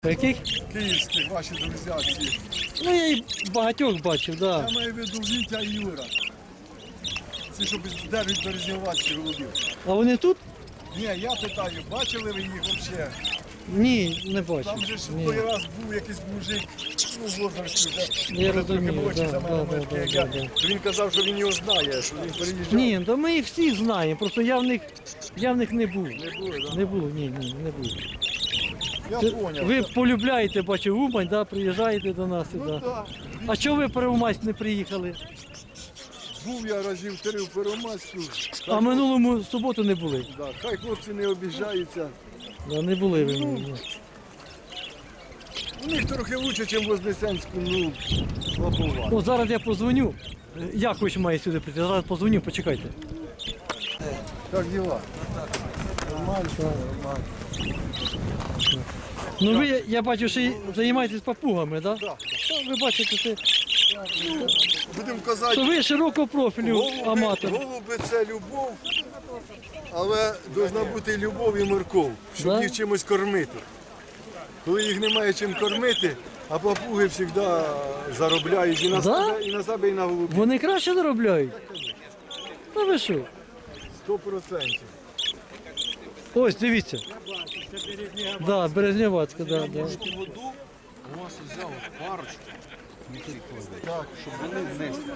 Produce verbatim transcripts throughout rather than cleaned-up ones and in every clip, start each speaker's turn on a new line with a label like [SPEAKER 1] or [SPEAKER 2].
[SPEAKER 1] Яких?
[SPEAKER 2] Київських, ваші друзі всі.
[SPEAKER 1] Ну я і багатьох бачив, так. Да.
[SPEAKER 2] Я маю в виду Вітя і Юра. Ці, що держать березнівацькі голубів.
[SPEAKER 1] А вони тут?
[SPEAKER 2] Ні, я питаю, бачили ви їх взагалі?
[SPEAKER 1] Ні, не бачив.
[SPEAKER 2] Там же ж
[SPEAKER 1] Ні.
[SPEAKER 2] той раз був якийсь мужик, ну, в возрасті вже.
[SPEAKER 1] Я
[SPEAKER 2] вже трохи
[SPEAKER 1] розумію,
[SPEAKER 2] молодший
[SPEAKER 1] да,
[SPEAKER 2] за мене,
[SPEAKER 1] да,
[SPEAKER 2] може,
[SPEAKER 1] да,
[SPEAKER 2] як
[SPEAKER 1] да,
[SPEAKER 2] я.
[SPEAKER 1] да.
[SPEAKER 2] Він казав, що він його знає, що він переїжджав.
[SPEAKER 1] Ні, то ми їх всіх знаємо, просто я в них, я в них не був.
[SPEAKER 2] Не було, так?
[SPEAKER 1] Не було, ні, ні, не було.
[SPEAKER 2] Я
[SPEAKER 1] Це-
[SPEAKER 2] зрозумів.
[SPEAKER 1] Ви полюбляєте, бачу, Умань, да, приїжджаєте до нас.
[SPEAKER 2] Ну
[SPEAKER 1] да.
[SPEAKER 2] так.
[SPEAKER 1] А чого ви в Первомайськ не приїхали?
[SPEAKER 2] Був я разів три в Первомайську.
[SPEAKER 1] А минулому суботу не були?
[SPEAKER 2] Да, хай хлопці не обіжаються.
[SPEAKER 1] Да, не були ви. ні.
[SPEAKER 2] У них трохи краще, ніж в Вознесенську, ну, слабовато.
[SPEAKER 1] О, зараз я позвоню. Я хоч маю сюди прийти. Зараз позвоню, почекайте.
[SPEAKER 2] Як діла? Нормально, нормально.
[SPEAKER 1] Ну ви, я бачу, що й займаєтесь папугами, так? Да?
[SPEAKER 2] Так,
[SPEAKER 1] Та ви бачите, це,
[SPEAKER 2] будемо казати,
[SPEAKER 1] що ви широкого профілю
[SPEAKER 2] голуби,
[SPEAKER 1] аматор.
[SPEAKER 2] голуби це любов, але повинна бути любов і морков, щоб
[SPEAKER 1] Да?
[SPEAKER 2] їх чимось кормити. Коли їх немає чим кормити, а папуги завжди заробляють і на,
[SPEAKER 1] Да?
[SPEAKER 2] себе, і на себе, і на голубів.
[SPEAKER 1] Вони краще заробляють? Ну ви що?
[SPEAKER 2] Сто процентів.
[SPEAKER 1] Ось, дивіться. Да, Березнівацька, да, да.
[SPEAKER 3] Воду у вас взяв парочку,
[SPEAKER 2] Так.
[SPEAKER 3] щоб вони внесли.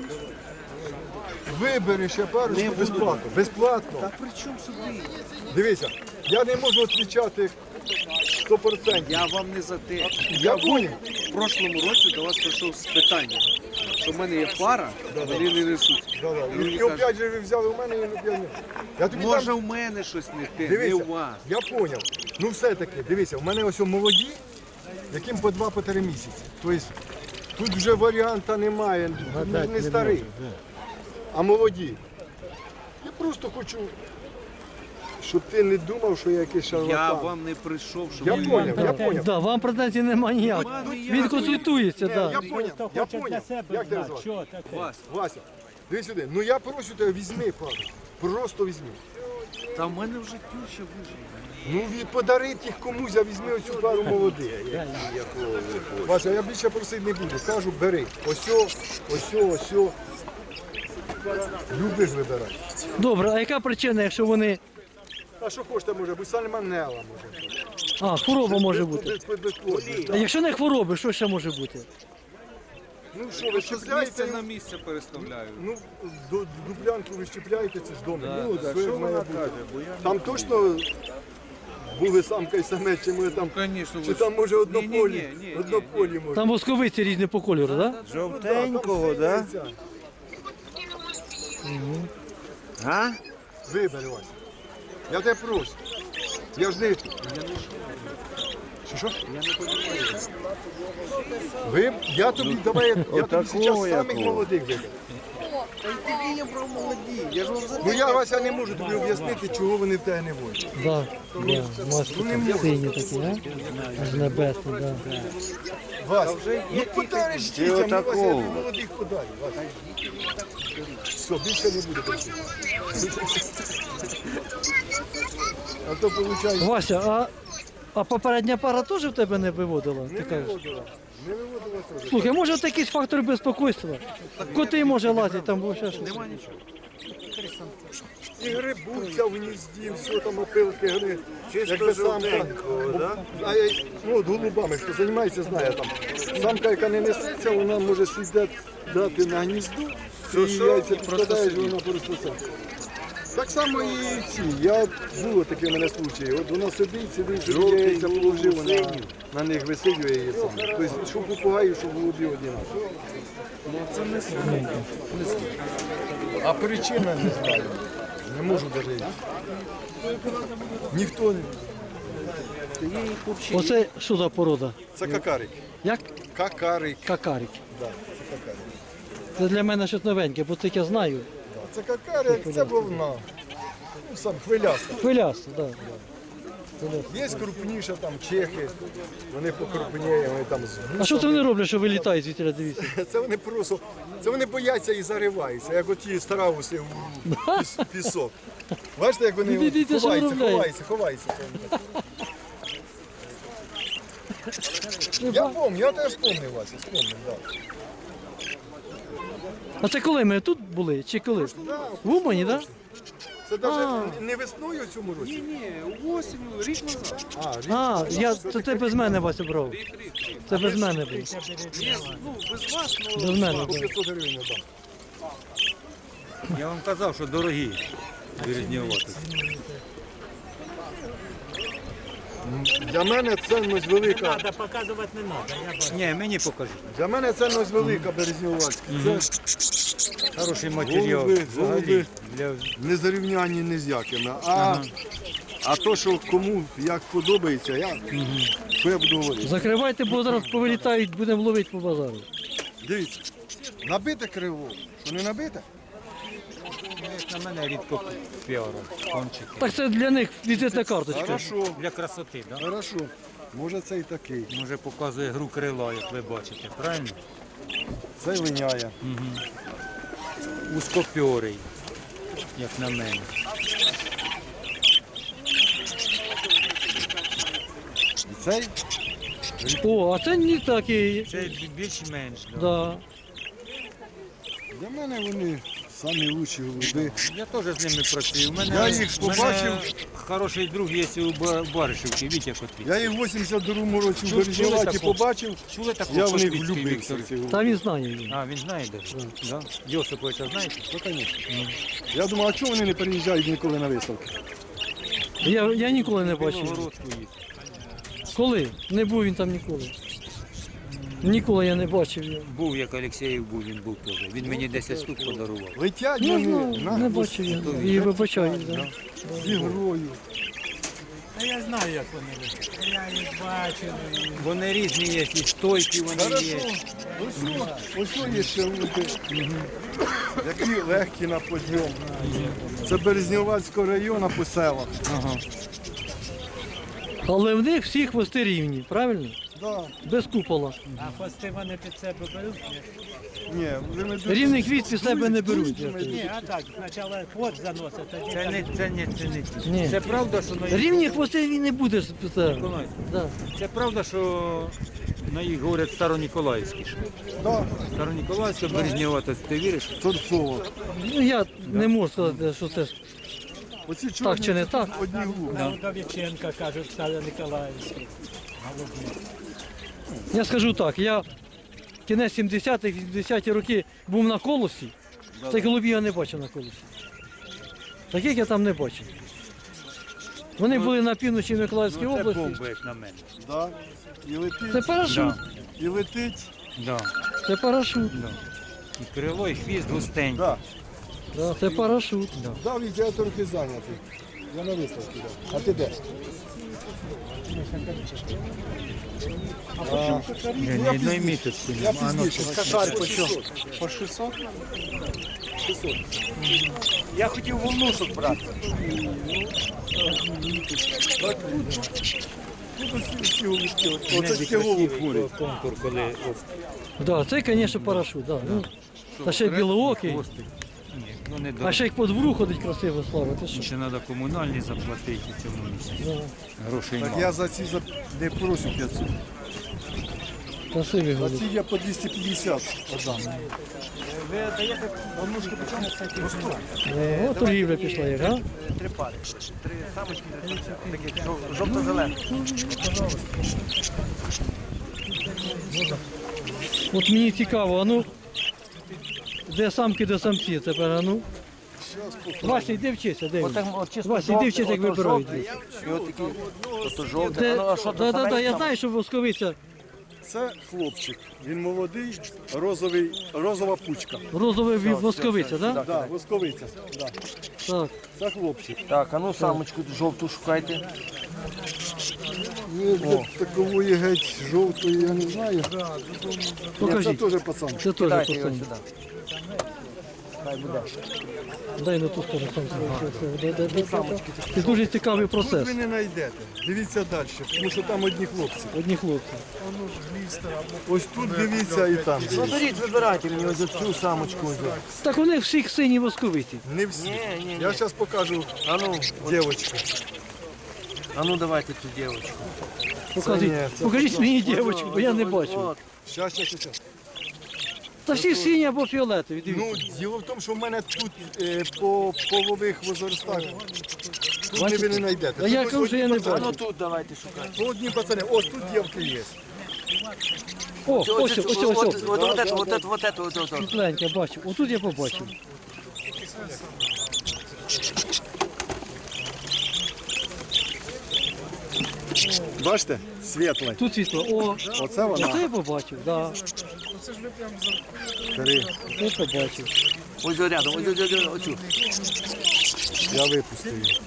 [SPEAKER 2] Вибери ще парочку безплатно. Безплатно.
[SPEAKER 3] Та при чому сюди?
[SPEAKER 2] Дивіться, я не можу відповідати сто процентів.
[SPEAKER 3] Я вам не за те.
[SPEAKER 2] Я понял.
[SPEAKER 3] В прошлому році до вас прийшов з питання, що в мене є пара, вони не несуть.
[SPEAKER 2] Да-да.
[SPEAKER 3] І він
[SPEAKER 2] І
[SPEAKER 3] каже,
[SPEAKER 2] опять же ви взяли у мене і опять ні. Я тобі
[SPEAKER 3] може
[SPEAKER 2] дам-
[SPEAKER 3] в мене щось не те, не
[SPEAKER 2] Дивися,
[SPEAKER 3] у вас.
[SPEAKER 2] я зрозумів. Ну все-таки, дивися, у мене ось молоді, яким по два-по три місяці. Тобто тут вже варіанта немає, тут не, не старий, а молоді. Я просто хочу, щоб ти не думав, що я якийсь шарлатан.
[SPEAKER 3] Я вам не прийшов, щоб
[SPEAKER 2] Я
[SPEAKER 3] ви...
[SPEAKER 2] поняв, я
[SPEAKER 1] Да,
[SPEAKER 2] поняв.
[SPEAKER 1] да, вам претензій немає ніяких. Він консультується,
[SPEAKER 2] Ні,
[SPEAKER 1] так.
[SPEAKER 2] я
[SPEAKER 1] Да.
[SPEAKER 2] поняв, я поняв. Як тебе звати?
[SPEAKER 3] Вас.
[SPEAKER 2] Вася, дивись сюди. Ну я прошу тебе, візьми пару. Просто візьми.
[SPEAKER 3] Та в мене вже тюща вижила.
[SPEAKER 2] Ну від подарити їх комусь, а візьми оцю пару молодих. Вася, я більше просити не буду. Кажу, бери. Осьо, осьо, осьо. Любиш вибирати.
[SPEAKER 1] Добре, а яка причина, якщо вони.
[SPEAKER 2] А що хочете може бути? Сальмонелла може бути.
[SPEAKER 1] А, хвороба може бути.
[SPEAKER 2] Без- без- безплодність,
[SPEAKER 1] А
[SPEAKER 2] да.
[SPEAKER 1] якщо не хвороби, що ще може бути?
[SPEAKER 2] Ну що, ви
[SPEAKER 3] Щоб з
[SPEAKER 2] щепляєте?
[SPEAKER 3] місця на місце переставляю.
[SPEAKER 2] Ну, до- дублянку ви щепляєте, це ж дома. Ну,
[SPEAKER 3] так,
[SPEAKER 2] все
[SPEAKER 3] що
[SPEAKER 2] має
[SPEAKER 3] вона
[SPEAKER 2] бути.
[SPEAKER 3] каже, бо я
[SPEAKER 2] Там точно були самка і самець, чи ми там,
[SPEAKER 3] Звісно,
[SPEAKER 2] чи там може однополі,
[SPEAKER 3] Ні, ні, ні, ні,
[SPEAKER 2] однополі може.
[SPEAKER 1] Там восковиці різні по кольору, так? Да?
[SPEAKER 2] Жовтенького, так? Да?
[SPEAKER 3] А?
[SPEAKER 2] Вибери, Вася. Я тебе прошу. Я ж не... Що, що?
[SPEAKER 3] Я не розумію.
[SPEAKER 2] Ви... Я тобі, давай, я, я тобі зараз самих молодих виберу.
[SPEAKER 3] Та й тобі я про молоді. Я ж вам за
[SPEAKER 2] Ну я, Вася, не можу тобі об'яснити, чого вони в тебе не водять.
[SPEAKER 1] Да, да. Маски там сині такі, а? Аж небесні, да.
[SPEAKER 2] Вася, ну подариш дітям, ну, Вася, я тобі молодих подарю, Вася. Все, більше не буде просити. А то виходить...
[SPEAKER 1] Вася, а, а попередня пара теж в тебе не виводила?
[SPEAKER 2] Не
[SPEAKER 1] Ти кажеш?
[SPEAKER 2] виводила. Не виводила теж.
[SPEAKER 1] Слухай, може от якийсь фактор безпокойства? Коти може лазити, там було ще щось.
[SPEAKER 3] Нема нічого.
[SPEAKER 2] І грибуться в гнізді, все там опилки гри. Якби самка. А я, ну, от голубами, хто займається, знає там. Самка, яка не несеться, вона може сідати дати на гнізду, і яйця підкладаєш, вона просто сидить. Так само і ці. Я було таке в мене случаї. От вона сидить, сидить, сидить, яйця положив, вона на них висидює її сам. Тобто, що попугаї, що голубі однаково.
[SPEAKER 3] Ну це не слово.
[SPEAKER 2] А причина не знаю. Не можу навіть. Ніхто не.
[SPEAKER 1] Оце що за порода?
[SPEAKER 2] Це какарик.
[SPEAKER 1] Як?
[SPEAKER 2] Какарик.
[SPEAKER 1] Какарик.
[SPEAKER 2] Да, це какарик.
[SPEAKER 1] Це для мене щось новеньке, бо це я знаю.
[SPEAKER 2] Це какарик, це вовна. Ну, сам хвиляста.
[SPEAKER 1] Хвилясто, так.
[SPEAKER 2] Є крупніше там чехи, вони покрупніє, вони там з
[SPEAKER 1] А що це вони роблять, що вилітають звідти, дивіться?
[SPEAKER 2] Це вони просто, це вони бояться і зариваються, як оті страуси в піс- пісок. Бачите, як вони
[SPEAKER 1] Дивіться, що
[SPEAKER 2] ховаються,
[SPEAKER 1] виробляють.
[SPEAKER 2] ховаються, ховаються. Я пам'ятаю, я теж пам'ятаю, Вася, спомнив, так.
[SPEAKER 1] А це коли ми тут були? Чи коли? В Умані, так?
[SPEAKER 2] Це навіть не весною в цьому році.
[SPEAKER 3] Ні, ні, осінню, рік назад.
[SPEAKER 2] А, рік.
[SPEAKER 1] А, я, це ти без мене, Вася, брав.
[SPEAKER 3] Рік, рік, рік.
[SPEAKER 1] Це без мене було.
[SPEAKER 3] Ні, ну, без вас, ну,
[SPEAKER 1] Без мене
[SPEAKER 2] По
[SPEAKER 1] було.
[SPEAKER 2] п'ятсот гривень я дам.
[SPEAKER 4] Я вам казав, що дорогі березнівати.
[SPEAKER 2] Для мене цінність велика.
[SPEAKER 5] Надо показувати не треба. Я бачу.
[SPEAKER 4] Ні, мені покажіть.
[SPEAKER 2] Для мене цінність велика березнівацька. Це
[SPEAKER 4] Хороший матеріал.
[SPEAKER 2] Голуби,
[SPEAKER 4] Взагалі.
[SPEAKER 2] голуби.
[SPEAKER 4] Для...
[SPEAKER 2] не зарівнянні ні з якими. А,
[SPEAKER 4] Ага.
[SPEAKER 2] а то, що кому як подобається, я, що я буду говорити.
[SPEAKER 1] Закривайте, бо зараз повилітають, будемо ловити по базару.
[SPEAKER 2] Дивіться, набите криво, що не набите?
[SPEAKER 4] На мене рідко піару, кончики.
[SPEAKER 1] Так це для них візитна карточка.
[SPEAKER 2] Хорошо,
[SPEAKER 4] Для красоти, так? Да?
[SPEAKER 2] хорошо. Може це і такий.
[SPEAKER 4] Може показує гру крила, як ви бачите, правильно?
[SPEAKER 2] Це линяє.
[SPEAKER 4] Узкопьорий, як на мене.
[SPEAKER 2] І цей
[SPEAKER 1] О, а це не такий.
[SPEAKER 4] Це більш-менш. Да.
[SPEAKER 1] Да.
[SPEAKER 2] для мене вони самі лучші голуби.
[SPEAKER 4] Я теж з ними працюю. У мене,
[SPEAKER 2] Я їх
[SPEAKER 4] у мене
[SPEAKER 2] побачив.
[SPEAKER 4] Хороший друг є у Ба- Баришівці, Вітя Котвіцький.
[SPEAKER 2] Я їх в вісімдясть другому році в
[SPEAKER 4] Чули
[SPEAKER 2] Березніваті
[SPEAKER 4] такого?
[SPEAKER 2] побачив,
[SPEAKER 4] Чули такого
[SPEAKER 2] я в них
[SPEAKER 4] Котвіцький
[SPEAKER 2] влюбився.
[SPEAKER 4] Віктор?
[SPEAKER 2] в ці голуби.
[SPEAKER 1] Та він знає. Він.
[SPEAKER 4] А, він знає де? Да. Йосиповича знаєте?
[SPEAKER 2] Ну, конечно. Я думав, а чого вони не переїжджають ніколи на виставки?
[SPEAKER 1] Я, я ніколи не бачив.
[SPEAKER 4] Білогородку їх.
[SPEAKER 1] Коли? Не був він там ніколи. Ніколи я не бачив його.
[SPEAKER 4] Був, як Олексєєв був, він був теж. Він мені десять штук подарував.
[SPEAKER 2] Летять
[SPEAKER 1] Не
[SPEAKER 2] вони
[SPEAKER 1] знаю,
[SPEAKER 2] на
[SPEAKER 1] не бачив я. І вибачаю. Да.
[SPEAKER 2] з ігрою.
[SPEAKER 5] Та я знаю, як вони летять. Я їх бачив.
[SPEAKER 4] Вони різні є, і стойкі вони
[SPEAKER 2] Хорошо.
[SPEAKER 4] є.
[SPEAKER 2] Ось що, ось що є ще голуби, які легкі на підйом. Це Березнівацького району по селах.
[SPEAKER 4] Ага.
[SPEAKER 1] Але в них всі хвости рівні, правильно?
[SPEAKER 2] Да.
[SPEAKER 1] Без купола.
[SPEAKER 5] А хвости вони під себе беруть? Ні,
[SPEAKER 2] Ні, вони дуже-
[SPEAKER 1] Рівний хвіст під себе не беруть.
[SPEAKER 2] дуже
[SPEAKER 1] я
[SPEAKER 5] Ні, а так, спочатку хвост заносить, тоді
[SPEAKER 4] Це
[SPEAKER 5] там-
[SPEAKER 4] не, це не, це не ті.
[SPEAKER 1] Ні.
[SPEAKER 4] Це правда, що на їх...
[SPEAKER 1] Рівні хвости він не буде. спитати.
[SPEAKER 4] Миколай,
[SPEAKER 1] Да.
[SPEAKER 4] Це правда, що на їх говорять Староніколаївські.
[SPEAKER 2] Да,
[SPEAKER 4] Староніколаївська, Березнєвата, ти віриш?
[SPEAKER 2] торцово.
[SPEAKER 1] Ну я не можу сказати, що це.
[SPEAKER 2] Оці чорні
[SPEAKER 1] Так чи не так?
[SPEAKER 2] одні голуби.
[SPEAKER 5] На Удовіченка, кажуть, Старо Николаївський.
[SPEAKER 1] Я скажу так, я кінець сімдесятих, вісімдесяті роки був на колосі, цих голубів я не бачив на колосі. Таких я там не бачив. Вони були на півночі Миколаївської
[SPEAKER 4] Ну, це
[SPEAKER 1] області.
[SPEAKER 4] бомба, як на мене.
[SPEAKER 2] Да. І летить,
[SPEAKER 1] Це парашут.
[SPEAKER 4] Да,
[SPEAKER 2] і летить.
[SPEAKER 4] да,
[SPEAKER 1] Це парашут.
[SPEAKER 4] да. І крило, і хвіст густенький.
[SPEAKER 2] Да.
[SPEAKER 1] Да, це парашут.
[SPEAKER 2] Да, Вітя, я трохи зайнятий. Я на виставці. Да. А ти де?
[SPEAKER 4] Ні, ні одної міточки
[SPEAKER 2] Я
[SPEAKER 4] нема. А ну,
[SPEAKER 2] пізніше.
[SPEAKER 3] Кашаль по чому? По шістсот? Я хотів волнушок брати.
[SPEAKER 2] Тут усі всі голубки. Оце
[SPEAKER 4] Іноді
[SPEAKER 2] таке голуб
[SPEAKER 4] красивий
[SPEAKER 2] ходить.
[SPEAKER 4] конкур, коли от,
[SPEAKER 1] Да, це, звісно, парашут. Да. Ну, та ще й білоокий.
[SPEAKER 4] хвостик. Ні, ну не
[SPEAKER 1] А
[SPEAKER 4] дорого.
[SPEAKER 1] ще й по двору ходить красиво, Слава. Ти що?
[SPEAKER 4] Ще треба комунальні заплатити в цьому місці.
[SPEAKER 1] Да.
[SPEAKER 4] Грошей
[SPEAKER 2] Так
[SPEAKER 4] мало.
[SPEAKER 2] я за ці за... не прошу п'ятсот.
[SPEAKER 1] Красивий
[SPEAKER 2] За
[SPEAKER 1] голуб.
[SPEAKER 2] ці я по двісті п'ятдесят отдам.
[SPEAKER 3] Ви даєте волнушки по чому?
[SPEAKER 1] О, торгівля пішла, як, а?
[SPEAKER 3] Три пари. Три самочки, таких жов- жовто-зелених.
[SPEAKER 1] От мені цікаво, а ну, де самки, де самці тепер, а ну. Вася, йди вчися, де він? Вася, йди вчися, як вибирають.
[SPEAKER 3] І от такі, ото жовте.
[SPEAKER 1] Де,
[SPEAKER 3] А ну, а що,
[SPEAKER 1] да, да, да, я
[SPEAKER 3] там?
[SPEAKER 1] знаю, що восковиця
[SPEAKER 2] Це хлопчик. Він молодий, розовий, розова пучка.
[SPEAKER 1] розова ві- восковиця, так? Да?
[SPEAKER 2] Да, восковиця. Да.
[SPEAKER 1] Так.
[SPEAKER 2] Це хлопчик.
[SPEAKER 3] Так, а ну самочку жовту шукайте.
[SPEAKER 2] Ну, для такової геть жовтої я не знаю. Ні, це
[SPEAKER 1] Покажіть.
[SPEAKER 2] теж пацан.
[SPEAKER 1] Це теж
[SPEAKER 3] Дайте його
[SPEAKER 1] пацан.
[SPEAKER 3] сюди. Хай буде.
[SPEAKER 1] Дай на ту сторону. Там, де- де- де- Це дуже цікавий
[SPEAKER 2] Тут
[SPEAKER 1] процес.
[SPEAKER 2] ви не знайдете. Дивіться далі, тому що там одні хлопці.
[SPEAKER 1] Одні хлопці.
[SPEAKER 2] Ось тут дивіться і там.
[SPEAKER 3] Беріть, вибирайте мені ось цю самочку. ось.
[SPEAKER 1] Так вони всіх сині восковиці.
[SPEAKER 2] Не всі.
[SPEAKER 3] Ні, ні, ні.
[SPEAKER 2] Я зараз покажу
[SPEAKER 3] А ну,
[SPEAKER 2] дівчинку.
[SPEAKER 3] а ну давайте цю дівчинку.
[SPEAKER 1] Покажіть,
[SPEAKER 2] ні, це
[SPEAKER 1] покажіть
[SPEAKER 2] просто-
[SPEAKER 1] мені дівчинку, бо я не бачу.
[SPEAKER 3] От.
[SPEAKER 2] Щас, щас, щас.
[SPEAKER 1] Та всі сині або фіолетові,
[SPEAKER 2] Ну,
[SPEAKER 1] дивіться.
[SPEAKER 2] діло в тому, що в мене тут е, по полових возрастах тут
[SPEAKER 1] Бачите?
[SPEAKER 2] ви не знайдете.
[SPEAKER 1] А я
[SPEAKER 2] Тут
[SPEAKER 1] кажу, що я не
[SPEAKER 2] одні
[SPEAKER 3] А ну
[SPEAKER 1] бачу.
[SPEAKER 3] тут давайте шукати.
[SPEAKER 2] пацани, одні пацани, ось тут дівки є.
[SPEAKER 1] О, ось, ось, ось, ось.
[SPEAKER 3] Вот это, вот это, вот это, вот это, вот это.
[SPEAKER 1] Світленьке, бачу. Отут я побачив.
[SPEAKER 2] Бачите? Світле.
[SPEAKER 1] Тут світло. О,
[SPEAKER 2] Оце вона.
[SPEAKER 1] оце я побачив, так.
[SPEAKER 2] Три.
[SPEAKER 1] Да, це побачив.
[SPEAKER 3] Ось рядом, ось, ось, ось, оцю.
[SPEAKER 2] Я випустив її.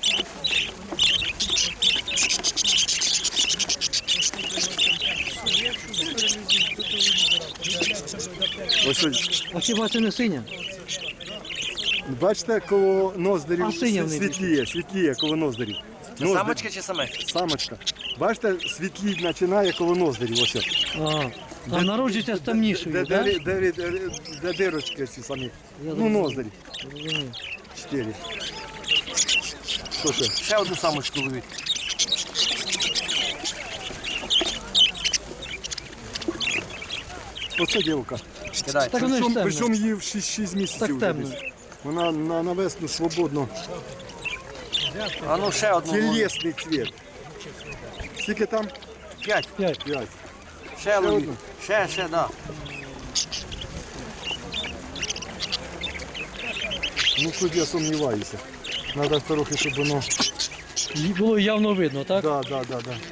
[SPEAKER 2] Ось ось.
[SPEAKER 1] А хіба це не синя?
[SPEAKER 2] Бачите, коло ноздрів
[SPEAKER 1] А синя в неї
[SPEAKER 2] світліє, світліє коло ноздрів. Ноздрі-
[SPEAKER 3] Самочка чи самець?
[SPEAKER 2] Самочка. Бачите, світліть починає коло ноздрів. Ось. ось.
[SPEAKER 1] А, а народжується з
[SPEAKER 2] Де,
[SPEAKER 1] темнішою,
[SPEAKER 2] де,
[SPEAKER 1] так?
[SPEAKER 2] де, де, де, де дирочки ці самі.
[SPEAKER 1] Я
[SPEAKER 2] Ну,
[SPEAKER 1] зрозумів.
[SPEAKER 2] ноздрі. Чотири. Що ще?
[SPEAKER 3] Ще одну самочку ловіть.
[SPEAKER 2] Оце дівка.
[SPEAKER 3] Кидай.
[SPEAKER 1] Так воно ж
[SPEAKER 2] Причому,
[SPEAKER 1] темне.
[SPEAKER 2] причому їй в шість місяців.
[SPEAKER 1] Так
[SPEAKER 2] вже
[SPEAKER 1] темно.
[SPEAKER 2] десь. Вона на, на весну свободно.
[SPEAKER 3] А ну ще одну. ловіть.
[SPEAKER 2] Тілесний цвіт. Скільки там?
[SPEAKER 3] П'ять.
[SPEAKER 1] П'ять.
[SPEAKER 2] П'ять.
[SPEAKER 3] Ще ловіть.
[SPEAKER 2] одну?
[SPEAKER 3] Ще, ще, да.
[SPEAKER 2] Ну тут я сумніваюся. Треба трохи, щоб воно.
[SPEAKER 1] Їй було явно видно, так?
[SPEAKER 2] Да, да, да, да.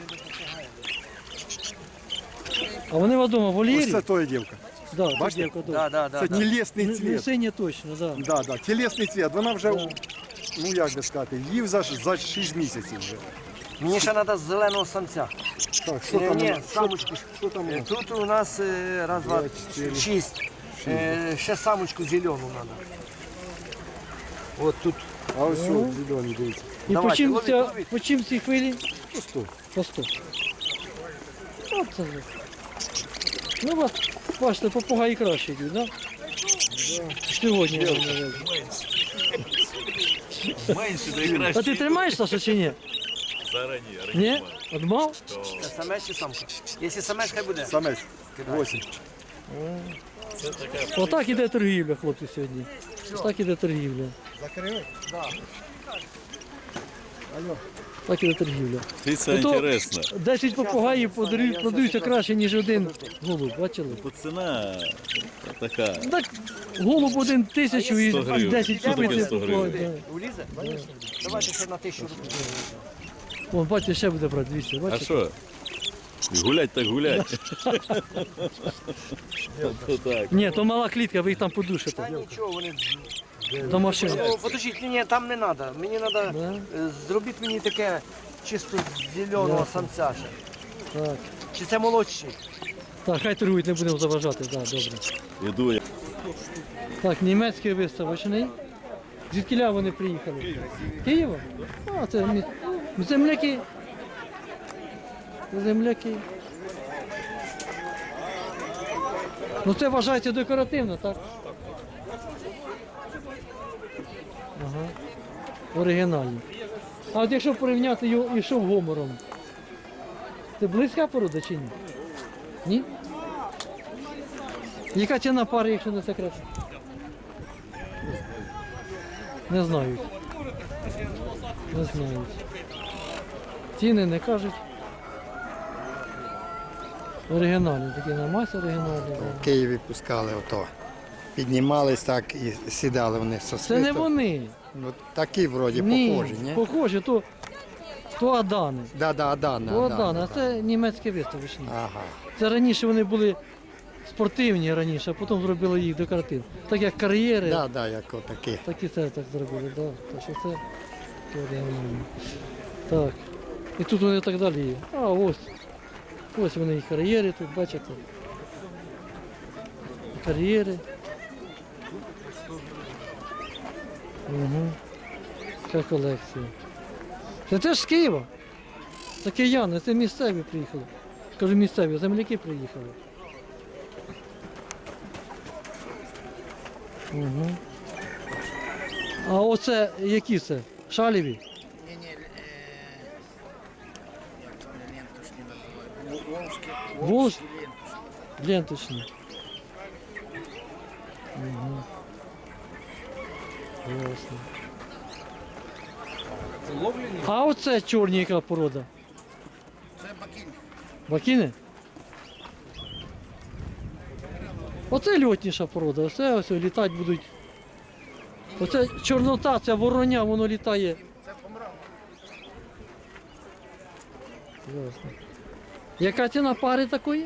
[SPEAKER 1] А вони в одному
[SPEAKER 2] Ось
[SPEAKER 1] вольєрі?
[SPEAKER 2] це твоя дівка.
[SPEAKER 1] Да,
[SPEAKER 2] Бачите?
[SPEAKER 1] дівка, да.
[SPEAKER 3] Да, да, да,
[SPEAKER 2] Це
[SPEAKER 3] да.
[SPEAKER 2] тілесний
[SPEAKER 1] Не, не
[SPEAKER 2] цвіт.
[SPEAKER 1] синя точно, да.
[SPEAKER 2] Да, да. Тілесний цвіт. Вона вже, ну як би сказати, їв за, за шість місяців вже.
[SPEAKER 3] Мені ще треба зеленого самця.
[SPEAKER 2] Так, що
[SPEAKER 3] Ні,
[SPEAKER 2] там?
[SPEAKER 3] ні,
[SPEAKER 2] у нас?
[SPEAKER 3] самочку.
[SPEAKER 2] Що там? у
[SPEAKER 3] Е,
[SPEAKER 2] нас?
[SPEAKER 3] Тут у нас е, раз, два,
[SPEAKER 2] П'ять, чотири.
[SPEAKER 3] шість. Е, Ще самочку зелену треба. От тут.
[SPEAKER 2] А ось що, зелений, дивіться.
[SPEAKER 1] І
[SPEAKER 3] Давайте,
[SPEAKER 1] по чим,
[SPEAKER 3] ловіть,
[SPEAKER 1] ця,
[SPEAKER 3] ловіть.
[SPEAKER 1] по чим ці хвилі?
[SPEAKER 2] По сто.
[SPEAKER 1] По сто. От це вже. Ну, вас, бачите, попугаї краще йдуть, так? Да? Сьогодні я вам навезу.
[SPEAKER 6] Менше, да і краще.
[SPEAKER 1] А ти тримаєш, Саша, чи ні?
[SPEAKER 6] Зарані,
[SPEAKER 1] Ні? Одмав?
[SPEAKER 3] Це самець чи самка? Якщо самець, хай буде.
[SPEAKER 2] Самець. Восемь.
[SPEAKER 1] Отак іде торгівля, хлопці, сьогодні. Так іде торгівля.
[SPEAKER 2] Закрили?
[SPEAKER 1] Так іде торгівля.
[SPEAKER 6] Птиця
[SPEAKER 1] Ну, то-
[SPEAKER 6] інтересна.
[SPEAKER 1] десять попугаїв подарують, продаються краще, ніж один голуб, бачили?
[SPEAKER 6] Бо ціна така.
[SPEAKER 1] Так, голуб один тисячу і
[SPEAKER 6] сто гривень.
[SPEAKER 1] десять
[SPEAKER 6] Що таке
[SPEAKER 1] купити.
[SPEAKER 6] сто гривень?
[SPEAKER 3] Улізе? Давайте ще на тисячу рублів.
[SPEAKER 1] Вон, бачите, ще буде брати двісті,
[SPEAKER 6] А
[SPEAKER 1] бачите?
[SPEAKER 6] що? Гулять так гулять. То так.
[SPEAKER 1] Ні, то мала клітка, ви їх там
[SPEAKER 3] Та
[SPEAKER 1] подушите.
[SPEAKER 3] нічого, вони...
[SPEAKER 1] До машини.
[SPEAKER 3] Ну, подождіть, ні, ні, там не треба. Мені треба,
[SPEAKER 1] Да?
[SPEAKER 3] зробіть мені таке чисто зеленого
[SPEAKER 1] Ясно.
[SPEAKER 3] самця ще.
[SPEAKER 1] Так.
[SPEAKER 3] Чи це молодший?
[SPEAKER 1] Так, хай торгують, не будемо заважати, так, добре.
[SPEAKER 6] Іду я.
[SPEAKER 1] Так, німецький виставочний. Звідкіля вони приїхали? Києва? А, це мі- земляки. Земляки. Ну це вважається декоративно, так? Ага. Оригінальні. А от якщо порівняти його і шовгомором, це близька порода чи ні? Ні? Яка ціна пари, якщо не секрет? Не знають. Не знають. Ціни не кажуть. Оригінальні, такі на масі оригінальні. да.
[SPEAKER 7] В Києві пускали ото. Піднімались так і сідали вони со
[SPEAKER 1] Це не
[SPEAKER 7] свистом.
[SPEAKER 1] вони.
[SPEAKER 7] Ну, такі вроді
[SPEAKER 1] Ні,
[SPEAKER 7] похожі, ні?
[SPEAKER 1] похожі, то, то Адани.
[SPEAKER 7] Да, да, Адана.
[SPEAKER 1] То
[SPEAKER 7] Адана,
[SPEAKER 1] Адани, а
[SPEAKER 7] да.
[SPEAKER 1] це німецькі виставочні.
[SPEAKER 7] Ага.
[SPEAKER 1] Це раніше вони були спортивні раніше, а потім зробили їх декоративні. Так як кар'єри,
[SPEAKER 7] Да, да, як отакі.
[SPEAKER 1] так і це так зробили. Да. Так що це то оригінально. Так. І тут вони так далі є. А ось. Ось вони і кар'єри тут, бачите. Кар'єри. Угу. Така колекція. Це теж з Києва. Це кияни, це місцеві приїхали. Кажу, місцеві, земляки приїхали. Угу. А оце які це? Шаліві?
[SPEAKER 8] Не, не, э, як вони лентушні називають.
[SPEAKER 1] Волж? Ленточні. Угу. Ясно.
[SPEAKER 3] Це ловлені?
[SPEAKER 1] А оце чорні яка порода?
[SPEAKER 2] Це бакінь.
[SPEAKER 1] Бакіни? Оце льотніша порода, оце ось літати будуть. Оце чорнота, це вороня, воно літає.
[SPEAKER 2] Це помрав.
[SPEAKER 1] Ясно. Яка ціна пари такої?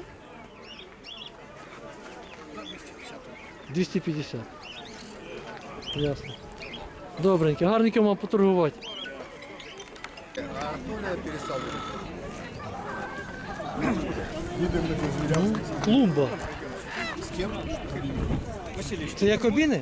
[SPEAKER 1] двісті п'ятдесят. Ясно. Добренько, гарненько вам поторгувати.
[SPEAKER 2] А Артуля перестав. Їдемо до звіря.
[SPEAKER 1] Клумба.
[SPEAKER 2] З ким?
[SPEAKER 1] Це якобіни?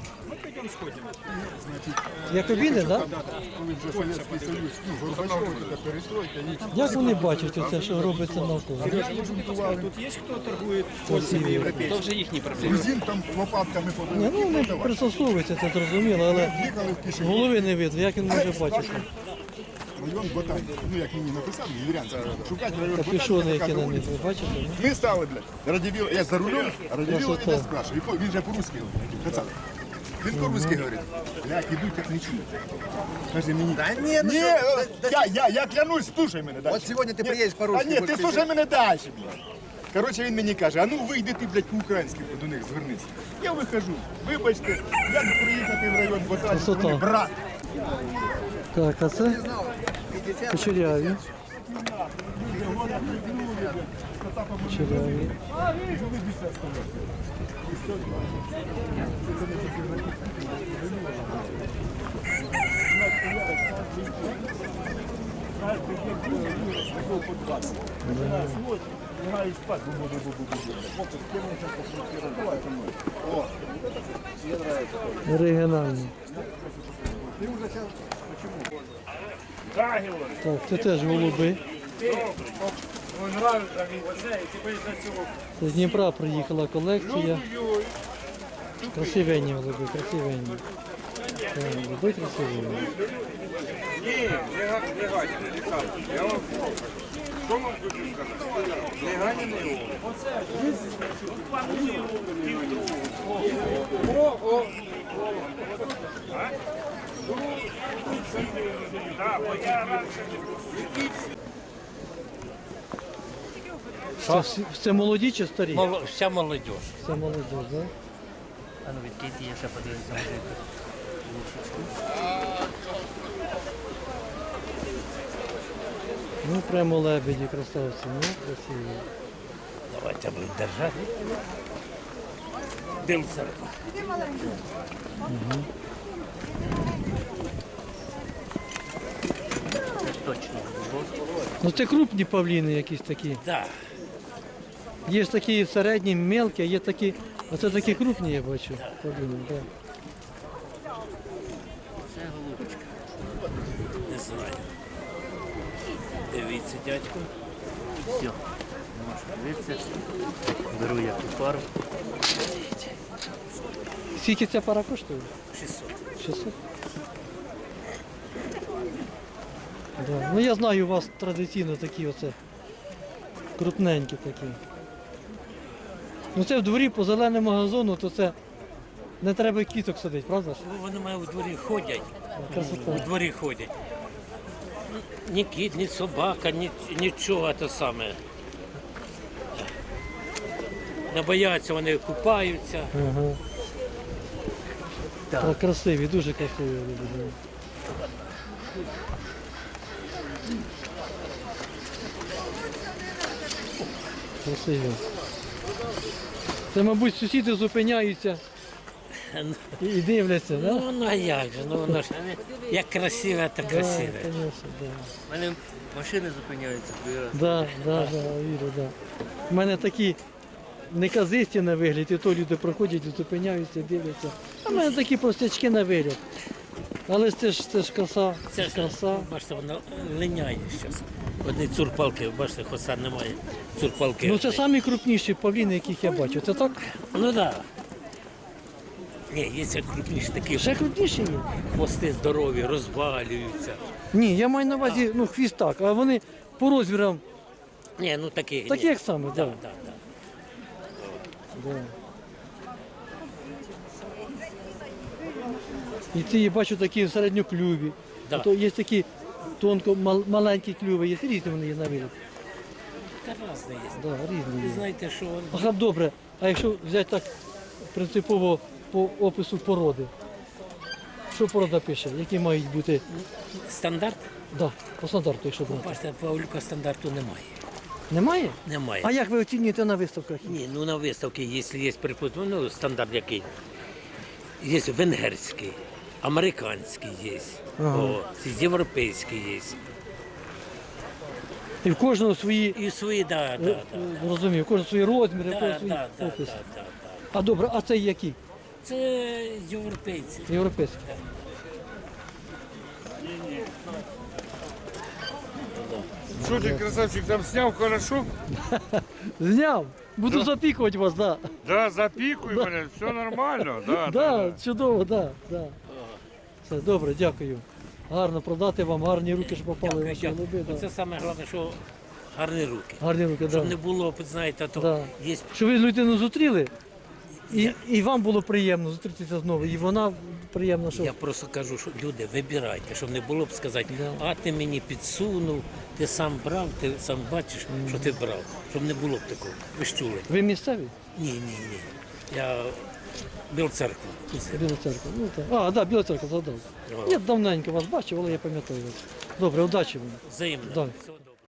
[SPEAKER 1] Якобіни, так? Да?
[SPEAKER 2] Коли вже Совєтський Союз, ну, Горбачов, це перестройка, нічого.
[SPEAKER 1] Як вони бачать оце, що робиться навколо?
[SPEAKER 5] Тут є хто торгує польцями європейцями?
[SPEAKER 3] Це вже їхні проблеми.
[SPEAKER 2] Грузин там лопатками
[SPEAKER 1] Ні, ну вони
[SPEAKER 2] подавали.
[SPEAKER 1] пристосовуються, це зрозуміло, але
[SPEAKER 2] Їхали в кишені.
[SPEAKER 1] голови не видно, як він може бачити.
[SPEAKER 2] Район Ботань. Ну, як мені написали, Юрянський. Шукати район
[SPEAKER 1] Та
[SPEAKER 2] Ботань.
[SPEAKER 1] пішони,
[SPEAKER 2] така
[SPEAKER 1] які на
[SPEAKER 2] дорога.
[SPEAKER 1] них, ви бачите? ну?
[SPEAKER 2] Ми стали, блядь. Радівіл, я за рулем, а Радівіл
[SPEAKER 1] Красота.
[SPEAKER 2] мене спрашиває. І по- Він же по-русски говорить. Пацан. Він по-русски говорить. Блядь, ідуть, як не чую. Каже мені. Да ні, ну ні, я, я, я клянусь, слушай мене далі.
[SPEAKER 8] Вот сегодня ты приедешь
[SPEAKER 2] А
[SPEAKER 8] по-русски.
[SPEAKER 2] ні, ти
[SPEAKER 8] будешь
[SPEAKER 2] слушай мене далі, блядь. Коротше, він мені каже, а ну вийди ти, блядь, по-українськи до них звернися. Я вихожу. Вибачте, як приїхати в район Ботань?
[SPEAKER 1] Красота.
[SPEAKER 2] Вони, брат.
[SPEAKER 1] Так, а це кучеряві. Кучеряві. Оригінальні. Так, це теж голуби. З Дніпра приїхала колекція. Красивенні голуби, красивенні. Так, голуби красивенні. Це, всі- це молоді чи старі?
[SPEAKER 9] Мол- Вся молодь.
[SPEAKER 1] Це молоді, так?
[SPEAKER 9] А ну відкидьте, я ще подивлюся.
[SPEAKER 1] Ну, прямо лебеді, красавці, ну, красиві.
[SPEAKER 9] Давайте будемо держати. Дивимося. Точно.
[SPEAKER 1] Ну це крупні павліни якісь такі.
[SPEAKER 9] Так.
[SPEAKER 1] Є ж такі середні, мелкі, а є такі. Оце такі крупні, я бачу. Павліни, так.
[SPEAKER 9] Це голубочка. Не знаю. Дивіться, дядько. Все. Можна дивитися. Беру я ту пару.
[SPEAKER 1] Скільки ця пара коштує?
[SPEAKER 9] шістсот.
[SPEAKER 1] шістсот? Да. Ну я знаю, у вас традиційно такі оце крупненькі такі. Ну це в дворі по зеленому газону, то це не треба кіток садити, правда ж?
[SPEAKER 9] Ну, вони мають у дворі ходять. У
[SPEAKER 1] Красота.
[SPEAKER 9] дворі ходять. Ні кіт, ні собака, ні, нічого те саме. Не бояться, вони купаються.
[SPEAKER 1] Ага.
[SPEAKER 9] Так.
[SPEAKER 1] Так, красиві, дуже красиві. люди. Красиві. Це, мабуть, сусіди зупиняються і, і дивляться,
[SPEAKER 9] Ну,
[SPEAKER 1] да?
[SPEAKER 9] ну а як же, ну воно ж як красиве, так красиве.
[SPEAKER 1] Да, конечно, да.
[SPEAKER 9] У мене машини зупиняються.
[SPEAKER 1] Да, да, да, вірю, да. У мене такі неказисті на вигляд, і то люди проходять, зупиняються, дивляться. А в мене такі простячки на вигляд. Але ж це ж це ж краса,
[SPEAKER 9] Це ж,
[SPEAKER 1] краса.
[SPEAKER 9] бачите, воно линяє зараз. Одні цурпалки, бачите, хоса немає. Цурпалки.
[SPEAKER 1] Ну це самі крупніші павліни, яких я бачу. Це так?
[SPEAKER 9] Ну так. Да. Ні, є ще крупніші такі.
[SPEAKER 1] Ще крупніші є?
[SPEAKER 9] Хвости здорові, розвалюються.
[SPEAKER 1] Ні, я маю на увазі, ну хвіст так, а вони по розмірам
[SPEAKER 9] Ні, ну такі.
[SPEAKER 1] такі,
[SPEAKER 9] ні.
[SPEAKER 1] як саме,
[SPEAKER 9] Да,
[SPEAKER 1] так.
[SPEAKER 9] да, да.
[SPEAKER 1] Да. І ці, бачу, такі в середньоклюві.
[SPEAKER 9] Да.
[SPEAKER 1] А то є такі тонко мал- маленькі клюви, є різні вони є на вигляд.
[SPEAKER 9] Та разне є.
[SPEAKER 1] Да, різні
[SPEAKER 9] Ви
[SPEAKER 1] є.
[SPEAKER 9] знаєте, що он
[SPEAKER 1] Ага, добре. А якщо взяти так принципово по опису породи, що порода пише? Які мають бути?
[SPEAKER 9] стандарт,
[SPEAKER 1] Да, по стандарту, якщо брати.
[SPEAKER 9] бачите, Павлюка стандарту немає.
[SPEAKER 1] Немає?
[SPEAKER 9] Немає.
[SPEAKER 1] А як ви оцінюєте на виставках?
[SPEAKER 9] Ні, ну на виставці, якщо є припустимо, ну стандарт який. Є венгерський, американський є,
[SPEAKER 1] Ага.
[SPEAKER 9] о, європейський є.
[SPEAKER 1] І в кожного свої,
[SPEAKER 9] І свої, да, да,
[SPEAKER 1] е,
[SPEAKER 9] да.
[SPEAKER 1] е, розумію, в кожного свої розміри, в
[SPEAKER 9] Да,
[SPEAKER 1] кожного свій
[SPEAKER 9] да, да,
[SPEAKER 1] опис.
[SPEAKER 9] да, да, да.
[SPEAKER 1] А добре, а це які?
[SPEAKER 9] Це європейці.
[SPEAKER 1] Європейські?
[SPEAKER 5] Що ти, красавчик, там зняв хорошо?
[SPEAKER 1] Зняв. Буду запікувати вас, так.
[SPEAKER 5] Да, запікуй мене, все нормально. Да,
[SPEAKER 1] Да. Да, чудово, так. Да, да. Все, добре, дякую. Гарно продати вам, гарні руки, що попали в
[SPEAKER 9] Дякую,
[SPEAKER 1] ваші
[SPEAKER 9] дякую.
[SPEAKER 1] голуби.
[SPEAKER 9] Це
[SPEAKER 1] Да.
[SPEAKER 9] саме головне, що гарні руки.
[SPEAKER 1] Гарні руки,
[SPEAKER 9] Щоб
[SPEAKER 1] так.
[SPEAKER 9] не
[SPEAKER 1] Да.
[SPEAKER 9] було, знаєте, то
[SPEAKER 1] Да.
[SPEAKER 9] є
[SPEAKER 1] Щоб ви людину зустріли, і, і вам було приємно зустрітися знову, і вона приємно, що...
[SPEAKER 9] Я просто кажу, що люди, вибирайте, щоб не було б сказати,
[SPEAKER 1] Да.
[SPEAKER 9] а ти мені підсунув, ти сам брав, ти сам бачиш, що ти брав. Щоб не було б такого. Ви ж чули?
[SPEAKER 1] Ви місцеві?
[SPEAKER 9] Ні, ні, ні. Я Біл церква.
[SPEAKER 1] Біла церква. Ну, так. А, так, да, Біла церква, згадав. Я давненько вас бачив, але я пам'ятаю вас. Добре, удачі вам.
[SPEAKER 9] Взаємно.
[SPEAKER 1] Да.
[SPEAKER 9] Всього доброго.